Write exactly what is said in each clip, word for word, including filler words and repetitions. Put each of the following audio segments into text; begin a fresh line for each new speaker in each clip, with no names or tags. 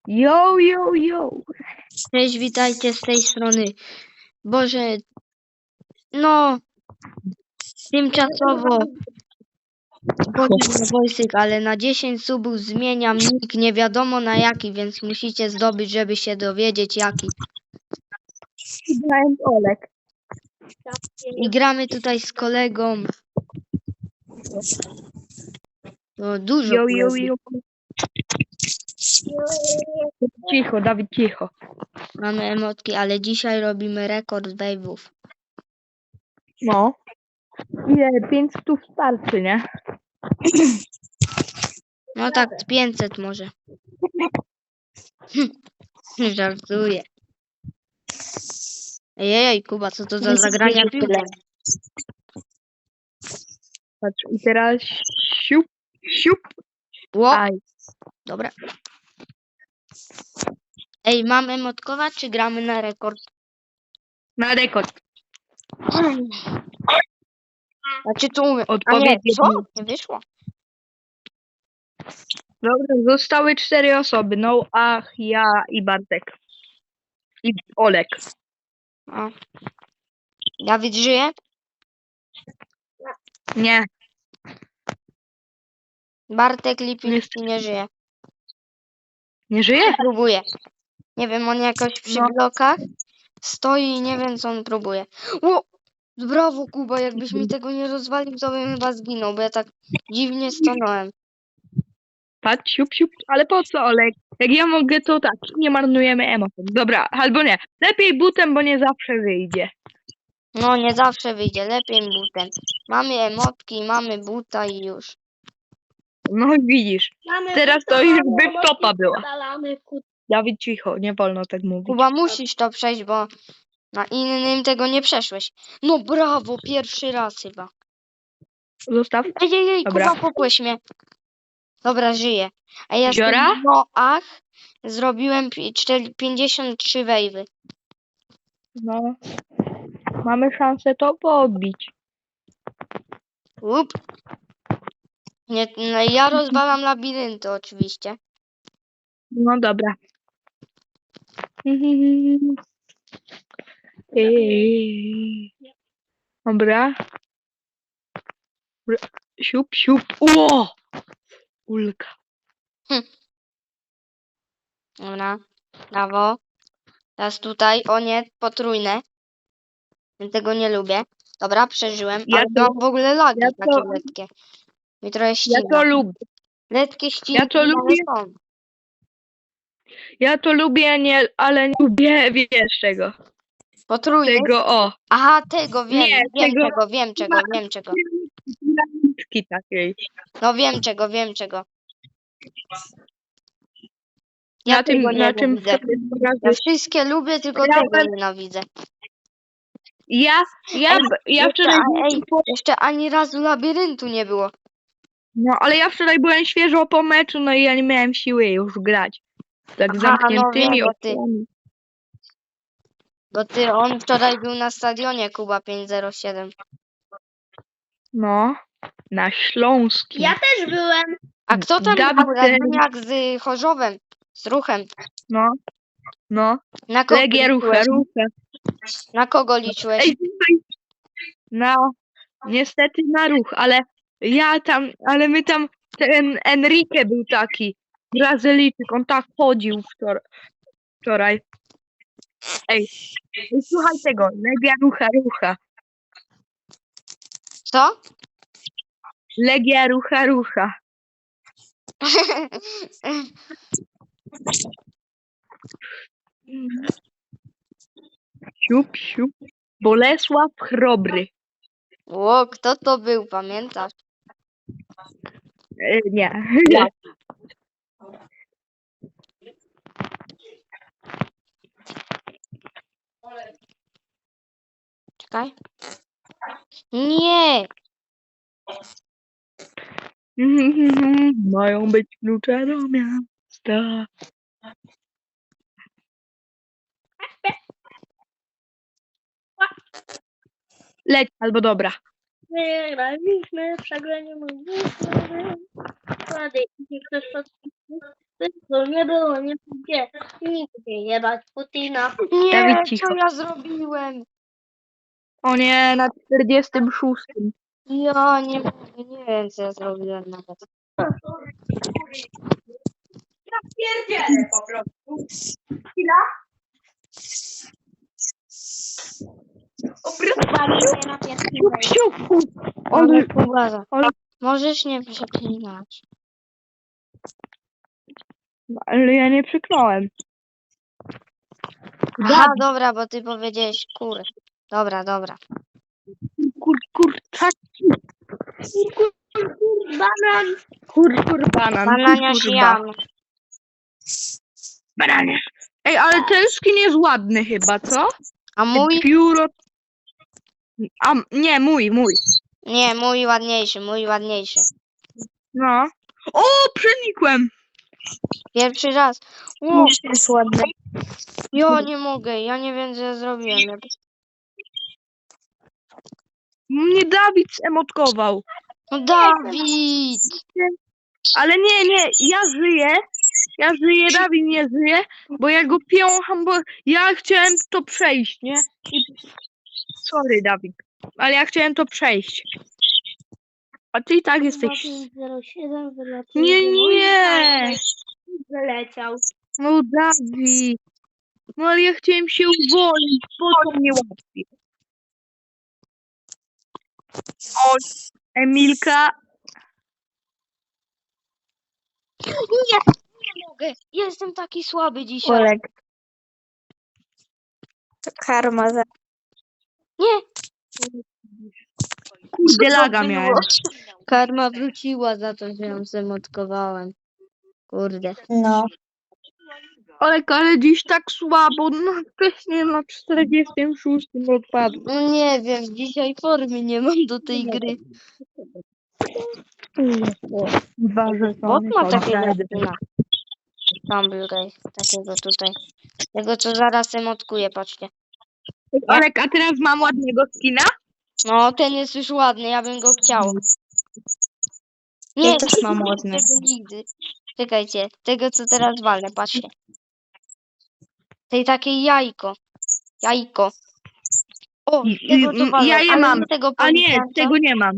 Yo, yo, yo.
Cześć, witajcie z tej strony. Boże, no, tymczasowo Boże Wojsyk, ale na dziesięć subów zmieniam nick, nie wiadomo na jaki, więc musicie zdobyć, żeby się dowiedzieć jaki.
Grałem Olek.
I gramy tutaj z kolegą. No, dużo
Yo, yo,
kolegów.
yo. Cicho, Dawid, cicho.
Mamy emotki, ale dzisiaj robimy rekord wave'ów.
No. Ile? pięć stów starczy, nie?
No tak, z pięćset może. Żartuję. Ejej, Kuba, co to za zagrania piłką?
Patrz, i teraz siup, siup.
Ło,
Aj.
dobra. Ej, mam emotkować, czy gramy na rekord?
Na rekord.
Znaczy tu umiem. A nie,
Odpowiedź
co?
jedno.
Nie wyszło.
Dobra, zostały cztery osoby. No, ach, ja i Bartek. I Olek.
O. Dawid żyje?
Nie.
Bartek Lipicki
Niestety.
nie żyje.
Nie żyje?
Próbuje. Nie wiem, on jakoś przy
No.
blokach stoi i nie wiem, co on próbuje. O! Brawo, Kuba, jakbyś mi tego nie rozwalił, to bym chyba zginął, bo ja tak dziwnie stanąłem.
Patrz, siup, siup. Ale po co, Olek? Jak ja mogę, to tak. Nie marnujemy emocji. Dobra, albo nie. Lepiej butem, bo nie zawsze wyjdzie.
No, nie zawsze wyjdzie, lepiej butem. Mamy emotki, mamy buta i już.
No widzisz.
Mamy
Teraz to
buta,
już
mamy
by
emotki,
topa była.
wydalamy kut-
Dawid, cicho, nie wolno tak mówić.
Kuba, musisz to przejść, bo na innym tego nie przeszłeś. No brawo, pierwszy raz chyba.
Zostaw.
Ej, ej, ej,
Dobra.
Kuba, popłeś mnie. Dobra, żyję. A ja
Ziora?
w Noach zrobiłem pi- cztery- pięćdziesiąt trzy wejwy.
No. Mamy szansę to pobić.
Up. Nie, no, ja rozwalam labirynty oczywiście.
No dobra. Ej. Dobra. Dobra. Siup, siup. Ło! Ulka.
Dobra, brawo. Teraz tutaj, o nie, potrójne. Ja tego nie lubię. Dobra, przeżyłem,
Ja
ale
to-
mam w ogóle lagi
ja
takie
to-
letkie. Mi trochę
Ja
ścina.
to lubię.
Letkie ściny,
Ja to
ale
lubię.
są.
Ja to lubię, nie, ale nie lubię, wiesz czego.
Potrójne?
Tego, o.
Aha, tego wiem,
Nie,
wiem
tego-
czego, wiem czego, wiem czego.
Piramidzki takiej.
No wiem czego, wiem czego.
Na tym,
tego
na czym
nienawidzę.
sobie
Ja
pokażesz.
wszystkie lubię, tylko
Ja
tego
bym-
nienawidzę.
Ja, ja,
Ej,
ja
jeszcze,
wczoraj...
a- ej, jeszcze ani razu labiryntu nie było.
No, ale ja wczoraj byłem świeżo po meczu, no i ja nie miałem siły już grać. Tak
Aha,
zamkniętymi
no wiem, bo ty-
oczami.
Bo ty, on wczoraj był na stadionie Kuba pięć zero siedem.
No, na Śląskim.
Ja też byłem.
A kto tam
Dawid
był?
ten-
Radyniak z Chorzowem, z Ruchem.
No, no.
Na kogo
Legia rucha,
liczyłeś?
rucha.
Na kogo liczyłeś?
Ej, tutaj... No, niestety na ruch, ale ja tam, ale my tam, ten Enrique był taki, Brazylijczyk, on tak chodził wczoraj. wczoraj. Ej, ej, słuchaj tego, Legia rucha, rucha.
Co?
Legia rucha, rucha. Siup, siup. Bolesław Chrobry.
Ło, kto to był, pamiętasz?
E, nie.
Ja. Czekaj. Nie!
Mają być klucze do miasta. Leć, albo dobra.
Wygraliśmy, przegranie mogliśmy. Wtedy, jeśli ktoś podpisał, to nie było, nie Nigdzie, nigdzie jebać Putina.
Nie,
Dawid, cicho.
co ja zrobiłem?
O nie, na czterdziestym szóstym.
Ja nie mogę, nie wiem co ja zrobiłem nawet.
Ja pierdzielę po prostu. Chwila.
Walimy na pierwszym wejściu.
Ale
Ale,
Kuba,
ale,
możesz nie przeklinać.
ale ja nie przyknąłem.
Aha, dobra, bo ty powiedziałeś kur. Dobra, dobra.
Kur, kur, tak. Kur, kur, kur, banan. Kur, kur, banan.
Banania
kur, kur, ba-
siam.
Bananie. Ej, ale ten skin jest ładny chyba, co?
A mój?
Pióro. A, nie, mój, mój.
Nie, mój ładniejszy, mój ładniejszy.
No. O, przenikłem.
Pierwszy raz. Ło,
jest ładny.
ja nie mogę, ja nie wiem co ja zrobiłem.
Mnie Dawid zemotkował.
No Dawid!
Ale nie, nie, ja żyję. Ja żyję, Dawid nie żyje, bo ja go piącham, bo ja chciałem to przejść, nie? I... Sorry, Dawid, ale ja chciałem to przejść. A ty i tak jesteś...
zero siedem wylatuje.
Nie, nie!
Wyleciał.
No Dawid. No ale ja chciałem się uwolnić, po co mnie łatwiej? O, Emilka.
Nie, nie mogę. Jestem taki słaby dzisiaj.
Olek. To karma za...
Nie.
Kurde,
Co
laga
było?
miałem.
Karma wróciła za to, że ją zemotkowałem. Kurde.
No.
Olek, ale dziś tak słabo, no wcześniej na czterdziestym szóstym odpadł.
No nie wiem, dzisiaj formy nie mam do tej gry.
Dwa
Bot
żetony.
ma takiego
kontrady.
skina. Tumblr, takiego tutaj. Tego co zaraz emotkuję, patrzcie.
Olek, a teraz mam ładnego skina?
No, ten jest już ładny, ja bym go chciał. Nie,
Ja też mam
nie
ładny.
tego nigdy. Czekajcie, tego co teraz walę, patrzcie. Tej takiej jajko. Jajko. O,
I-
tego
i-
co walę,
ja je
ale
mam.
nie tego
A nie,
policjanta.
tego nie mam.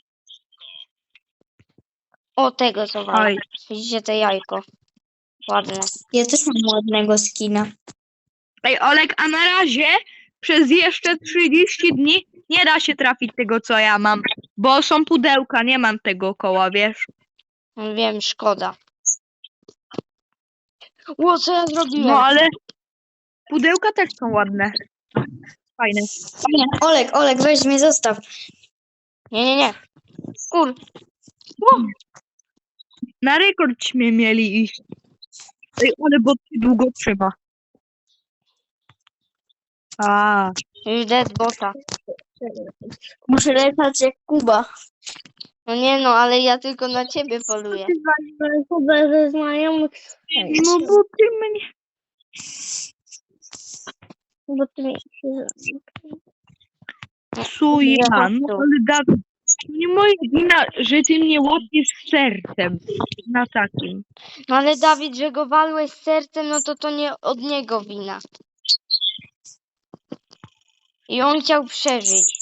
O, tego co walę.
Oj.
Widzicie te jajko. Ładne.
Ja też mam ładnego skina.
Ej, Olek, a na razie przez jeszcze trzydzieści dni nie da się trafić tego, co ja mam, bo są pudełka, nie mam tego koła, wiesz?
Wiem, szkoda. Ło, co ja zrobiłem?
No, ale pudełka też są ładne. Fajne.
Olek, Olek, weź mnie zostaw.
Nie, nie, nie. Kur.
Na rekordśmy mieli iść. Ej, ale bo ty długo trzyma. A,
Już dead bota.
Muszę lecać jak Kuba.
No nie no, ale ja tylko na ciebie poluję.
Kuba ze znajomych.
no bo ty mnie...
Bo ty mi się...
Co ja? No ale Dawid, nie moja wina, że ty mnie łapiesz sercem na takim.
No ale Dawid, że go walłeś sercem, no to to nie od niego wina. I on chciał przeżyć.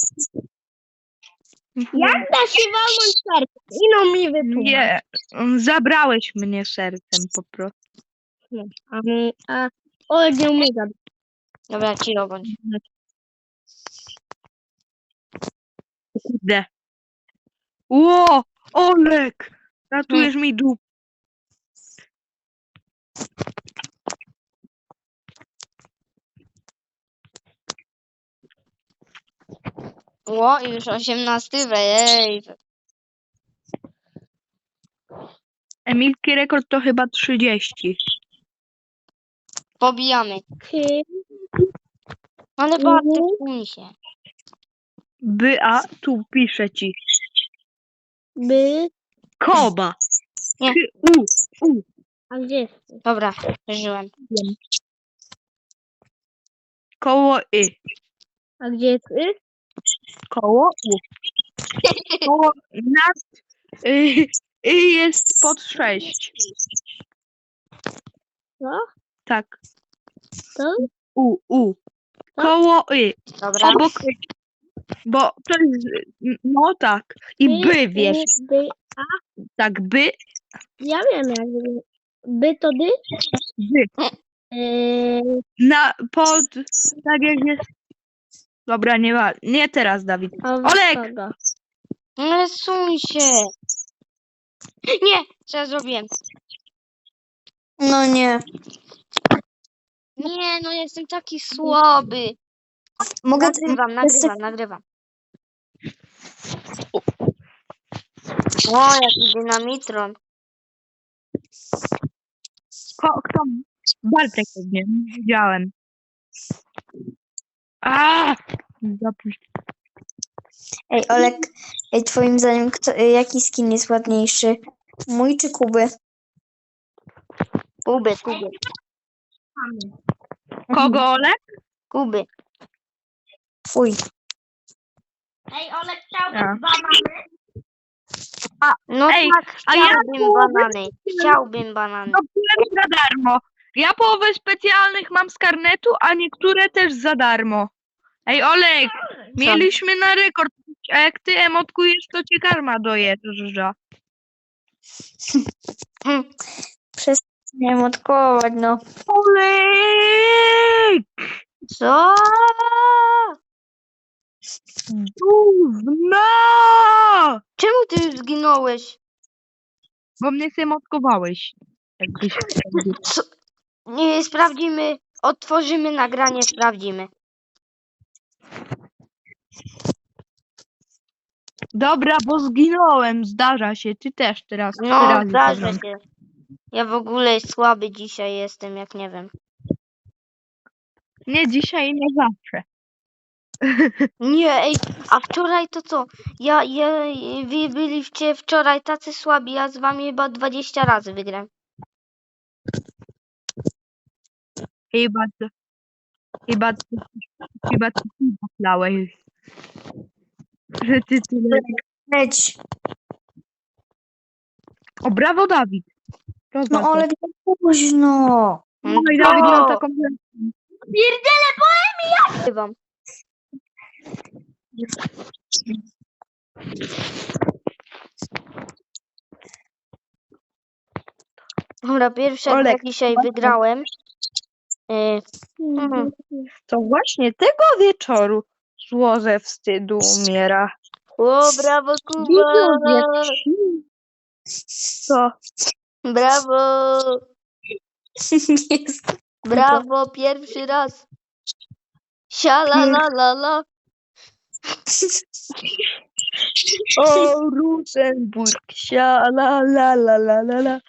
Jak da się walnąć serce? Ino mi wytłumacz.
Nie, zabrałeś mnie sercem po prostu.
A, mi- a Olek nie umie zabić.
Dobra, cicho bądź.
Kurde. Ło, Olek! Ratujesz mi dup.
Ło, i już osiemnasty wej.
Emilki rekord to chyba trzydzieści.
Pobijamy.
Ty,
Ale
Mhm.
bardzo kuń się.
By, a tu piszę ci.
by...
Koba.
Nie.
K, u, u.
A gdzie jest?
Dobra, przeżyłem.
Koło y.
A gdzie jest y?
Koło u. Koło nad y, y jest pod sześć.
Co?
Tak.
To?
U, u.
Tak?
Koło y.
Dobra.
Obok y. Bo to jest, no tak. I
By,
by, wiesz,
u, by.
tak, by,
Ja wiem jak wygląda. By to dy?
by.
Eee,
Na, pod, tak jak jest. Dobra, nie ma, nie teraz, Dawid.
a
Olek!
kogo?
Nie suń się. Nie, co ja zrobiłem?
No nie.
Nie, no jestem taki słaby.
Mogę...
Nagrywam, nagrywam, nagrywam. O, jaki dynamitron.
Ko, kto? Bartek pewnie, widziałem. A! Zapuść.
Ej, Olek, ej, twoim zdaniem, kto, jaki skin jest ładniejszy? Mój czy Kuby?
Kuby, Kuby,
Kogo, Olek?
Kuby.
Twój.
Ej, Olek chciał
A.
banany.
No
Ej,
tak,
a ja
chciałbym
połowę-
banany. Chciałbym banany.
No byłem za darmo. Ja połowę specjalnych mam z karnetu, a niektóre też za darmo. Ej, Olek, mieliśmy na rekord. A jak ty emotkujesz, to ci karma dojeżdża.
Hm.
Nie emotkować, no.
Olek!
Co?
Gówno!
Czemu ty już zginąłeś?
Bo mnie emotkowałeś. Jakbyś...
Co? Nie, sprawdzimy. Otworzymy nagranie, sprawdzimy.
Dobra, bo zginąłem. Zdarza się. Ty też teraz. trzy
No,
razy
zdarza
zagram.
się. Ja w ogóle słaby dzisiaj jestem, jak nie wiem.
Nie dzisiaj, nie zawsze.
Nie, ej, a wczoraj to co? Ja, ja, wy byliście wczoraj tacy słabi, ja z wami chyba dwadzieścia razy wygram.
Chyba, to- chyba, to- chyba ty myślałeś, że ty tyle...
Leć.
O, brawo, Dawid. Rozwal
No,
to.
Olek, za późno.
No i Dawid miał taką...
Wam. Dobra, pierwsze jak
Olek,
dzisiaj
właśnie.
wygrałem. Y, Mhm.
To właśnie tego wieczoru zło ze wstydu umiera.
O, brawo
Widzowie,
Kuba!
co?
Brawo!
Jest.
Brawo, pierwszy raz. Siala la la la.
O, Rosenburg, sia, la, la, la, la, la, la.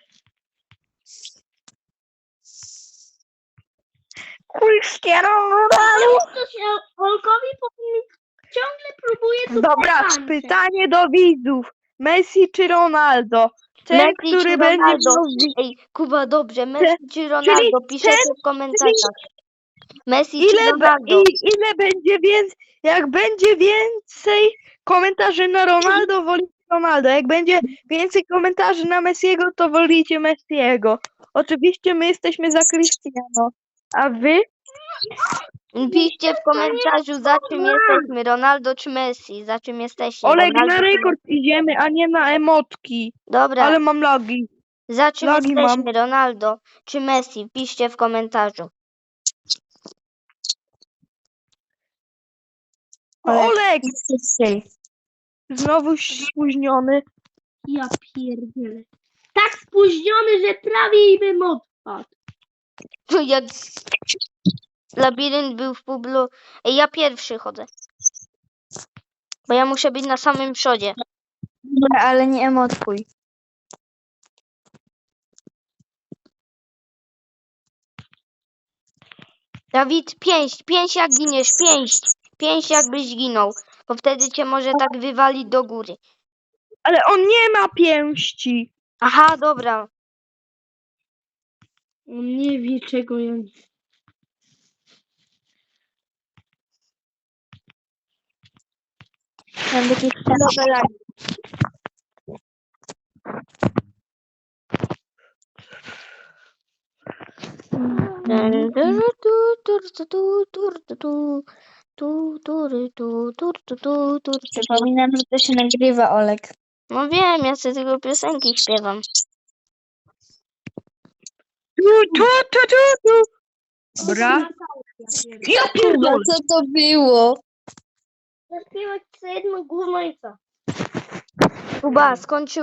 Cristiano Ronaldo.
To się Olkowi powinien ciągle próbuje to
Dobra, pytanie do widzów. Messi czy Ronaldo? Ten,
Messi
który
czy
będzie
Ronaldo?
miał...
Ej, Kuba, dobrze. Messi czy Ronaldo? Piszecie w komentarzach. Messi czy
Ile, be,
Ronaldo?
i, ile będzie więcej, jak będzie więcej komentarzy na Ronaldo, wolicie Ronaldo. Jak będzie więcej komentarzy na Messiego, to wolicie Messiego. Oczywiście my jesteśmy za Cristiano. A wy?
Piszcie w komentarzu, za czym jesteśmy. Ronaldo czy Messi? Za czym jesteście?
Oleg,
Ronaldo
na
czy
rekord idziemy, a nie na emotki.
Dobra,
Ale mam logi.
za czym
lagi
jesteśmy?
mam.
Ronaldo czy Messi? Piszcie w komentarzu.
Oleg,
Jesteś.
znowu spóźniony.
Ja pierdzielę. Tak spóźniony, że prawie i bym odpadł.
Jak labirynt był w publu. Ej, ja pierwszy chodzę. Bo ja muszę być na samym przodzie.
Dobra, ale nie emotkuj.
Dawid, pięść, pięść jak giniesz, pięść. Pięść jakbyś ginął. Bo wtedy cię może tak wywalić do góry.
Ale on nie ma pięści.
Aha, dobra.
On nie wie czego ja nie.
Mam takie chwilowe lagi.
Dun, dun, tu, tur, tu, tu, tur, tu, tu. Tu, tury, tu, tur, tu, tu, tur, tu, tu.
Przypominam, że to się nagrywa, Olek.
No wiem, ja sobie tylko piosenki śpiewam.
Tu, tu, tu, tu, tu. Dobra. Ja
Chyba
pierdolę.
co to było?
Zaśpiewać co jedno gówno i co?
Kuba, skończył.